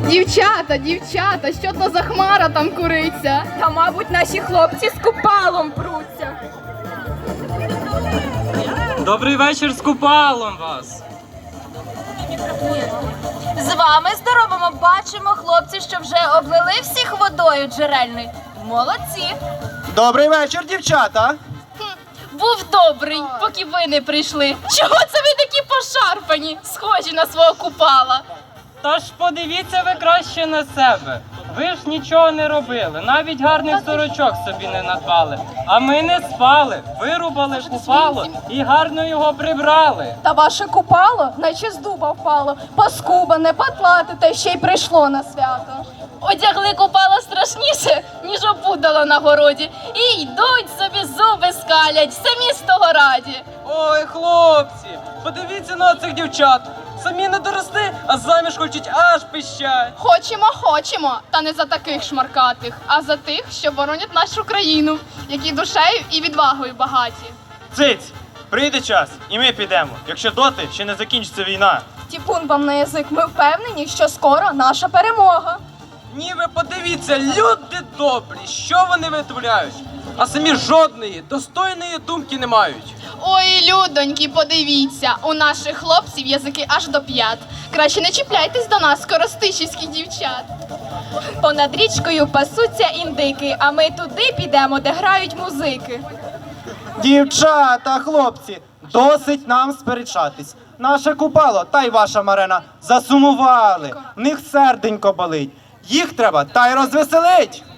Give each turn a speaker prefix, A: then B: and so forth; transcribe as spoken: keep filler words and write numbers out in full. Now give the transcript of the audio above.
A: Дівчата, дівчата, що то за хмара там куриться?
B: Та, мабуть, наші хлопці з купалом пруться.
C: Добрий вечір з купалом вас.
B: З вами здоровимо, бачимо, хлопці, що вже облили всіх водою джерельною. Молодці.
D: Добрий вечір, дівчата.
A: Був добрий, поки ви не прийшли. Чого це ви такі пошарпані, схожі на свого купала?
C: Тож подивіться ви краще на себе. Ви ж нічого не робили, навіть гарних сорочок собі не надбали. А ми не спали, вирубали купало і гарно його прибрали.
E: Та ваше купало, наче з дуба впало, паскубане, патлате, та ще й прийшло на свято.
A: Одягли купала страшніше, ніж опудало на городі. І йдуть собі зуби скалять, самі з того раді.
C: Ой, хлопці, подивіться на цих дівчат. Самі не доросли, а заміж хочуть аж пищать.
A: Хочемо, хочемо, та не за таких шмаркатих, а за тих, що боронять нашу країну, які душею і відвагою багаті.
D: Циць, прийде час, і ми підемо, якщо доти ще не закінчиться війна.
E: Тіпун вам на язик, ми впевнені, що скоро наша перемога.
C: Ні, ви подивіться, люди добрі, що вони витворяють, а самі жодної достойної думки не мають.
A: Ой, людоньки, подивіться, у наших хлопців язики аж до п'ят. Краще не чіпляйтесь до нас, коростишівських дівчат.
B: Понад річкою пасуться індики, а ми туди підемо, де грають музики.
D: Дівчата, хлопці, досить нам сперечатись. Наше купало та й ваша Марина засумували, в них серденько болить. Їх треба та й розвеселить.